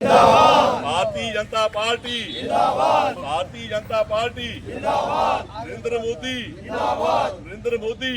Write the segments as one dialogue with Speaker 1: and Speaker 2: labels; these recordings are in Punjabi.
Speaker 1: भारतीय जनता पार्टी भारतीय जनता पार्टी नरेंद्र मोदी नरेंद्र मोदी।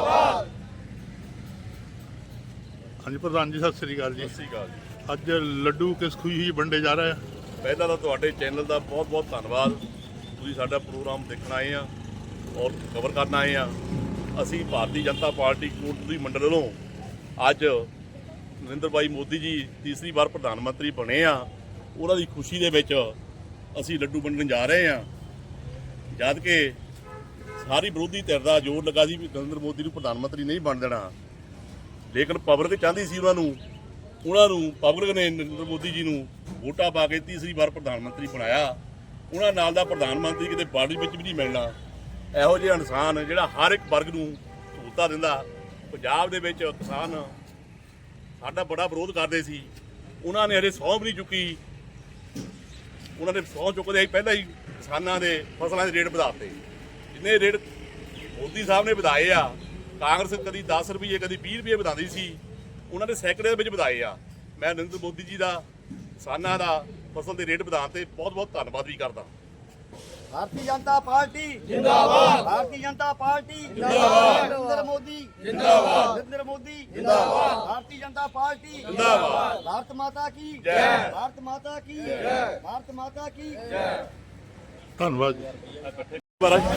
Speaker 2: हाँ जी प्रधान जी, सत श्री अकाल जी।
Speaker 1: सत श्री अकाल जी।
Speaker 2: ਅੱਜ ਲੱਡੂ ਕਿਸ ਖੁਸ਼ੀ ਵੰਡੇ ਜਾ ਰਹੇ ਆ?
Speaker 1: ਪਹਿਲਾਂ ਤਾਂ ਤੁਹਾਡੇ ਚੈਨਲ ਦਾ ਬਹੁਤ ਬਹੁਤ ਧੰਨਵਾਦ। ਤੁਸੀਂ ਸਾਡਾ ਪ੍ਰੋਗਰਾਮ ਦੇਖਣ ਆਏ ਆ ਔਰ ਕਵਰ ਕਰਨ ਆਏ ਆ। ਅਸੀਂ ਭਾਰਤੀ ਜਨਤਾ ਪਾਰਟੀ ਕੋਟਪੁਰੀ ਮੰਡਲ ਵੱਲੋਂ ਅੱਜ ਨਰਿੰਦਰ ਭਾਈ ਮੋਦੀ ਜੀ ਤੀਸਰੀ ਵਾਰ ਪ੍ਰਧਾਨ ਮੰਤਰੀ ਬਣੇ ਆ, ਉਹਨਾਂ ਦੀ ਖੁਸ਼ੀ ਦੇ ਵਿੱਚ ਅਸੀਂ ਲੱਡੂ ਵੰਡਣ ਜਾ ਰਹੇ ਆ। ਜਦ ਕਿ ਸਾਰੀ ਵਿਰੋਧੀ ਧਿਰ ਦਾ ਜ਼ੋਰ ਲੱਗਾ ਸੀ ਵੀ ਨਰਿੰਦਰ ਮੋਦੀ ਨੂੰ ਪ੍ਰਧਾਨ ਮੰਤਰੀ ਨਹੀਂ ਬਣ ਦੇਣਾ, ਲੇਕਿਨ ਪਬਲਿਕ ਚਾਹੁੰਦੀ ਸੀ ਉਹਨਾਂ ਨੂੰ ਪਬਲਿਕ ਨੇ ਨਰਿੰਦਰ ਮੋਦੀ ਜੀ ਨੂੰ ਵੋਟਾਂ ਪਾ ਕੇ ਤੀਸਰੀ ਵਾਰ ਪ੍ਰਧਾਨ ਮੰਤਰੀ ਬਣਾਇਆ। ਉਹਨਾਂ ਨਾਲ ਦਾ ਪ੍ਰਧਾਨ ਮੰਤਰੀ ਕਿਤੇ ਬਾਡੀ ਵਿੱਚ ਵੀ ਨਹੀਂ ਮਿਲਣਾ। ਇਹੋ ਜਿਹਾ ਇਨਸਾਨ ਜਿਹੜਾ ਹਰ ਇੱਕ ਵਰਗ ਨੂੰ ਸਹੂਲਤਾਂ ਦਿੰਦਾ। ਪੰਜਾਬ ਦੇ ਵਿੱਚ ਕਿਸਾਨ ਸਾਡਾ ਬੜਾ ਵਿਰੋਧ ਕਰਦੇ ਸੀ, ਉਹਨਾਂ ਨੇ ਹਜੇ ਸਹੁੰ ਵੀ ਨਹੀਂ ਚੁੱਕੀ। ਉਹਨਾਂ ਨੇ ਸਹੁੰ ਚੁੱਕਦੇ ਹੀ ਪਹਿਲਾਂ ਹੀ ਕਿਸਾਨਾਂ ਦੇ ਫਸਲਾਂ ਦੇ ਰੇਟ ਵਧਾਤੇ। ਜਿੰਨੇ ਰੇਟ ਮੋਦੀ ਸਾਹਿਬ ਨੇ ਵਧਾਏ ਆ, ਕਾਂਗਰਸ ਕਦੀ 10 ਰੁਪਏ ਕਦੀ 20 ਰੁਪਏ ਵਧਾਉਂਦੀ ਸੀ, ਉਹਨਾਂ ਨੇ ਸੈਂਕੜੇ ਦੇ ਵਿੱਚ ਵਧਾਏ ਆ। ਮੈਂ ਨਰਿੰਦਰ ਮੋਦੀ ਜੀ ਦਾ ਕਿਸਾਨਾਂ ਦਾ ਫਸਲ ਦੇ ਰੇਟ ਵਧਾਉਣ ਤੇ ਬਹੁਤ ਬਹੁਤ ਧੰਨਵਾਦ ਵੀ ਕਰਦਾ।
Speaker 3: भारतीय जनता पार्टी जिंदाबाद, भारतीय जनता पार्टी जिंदाबाद, नरेंद्र मोदी जिंदाबाद, नरेंद्र मोदी जिंदाबाद, भारतीय जनता पार्टी जिंदाबाद, भारत माता की जय, भारत माता की जय, भारत माता की जय।
Speaker 2: ਧੰਨਵਾਦ ਜੀ।
Speaker 1: महाराज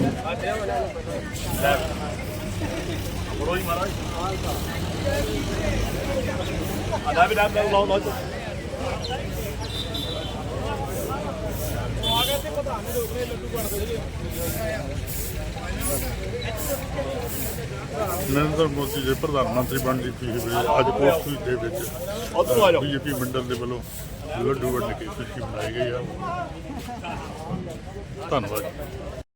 Speaker 1: बड़ो ही महाराज आधा भी नाम लाओ
Speaker 2: ਨਰਿੰਦਰ ਮੋਦੀ ਦੇ ਪ੍ਰਧਾਨ ਮੰਤਰੀ ਬਣਨ ਦੀ ਖੁਸ਼ੀ ਵਿੱਚ ਅੱਜ ਕੋਟਪੁਰੀ ਦੇ ਵਿੱਚ ਬੀਜੇਪੀ ਮੰਡਲ ਦੇ ਵੱਲੋਂ ਲੱਡੂ ਵੰਡ ਕੇ ਖੁਸ਼ੀ ਮਨਾਈ ਗਈ ਆ। ਧੰਨਵਾਦ।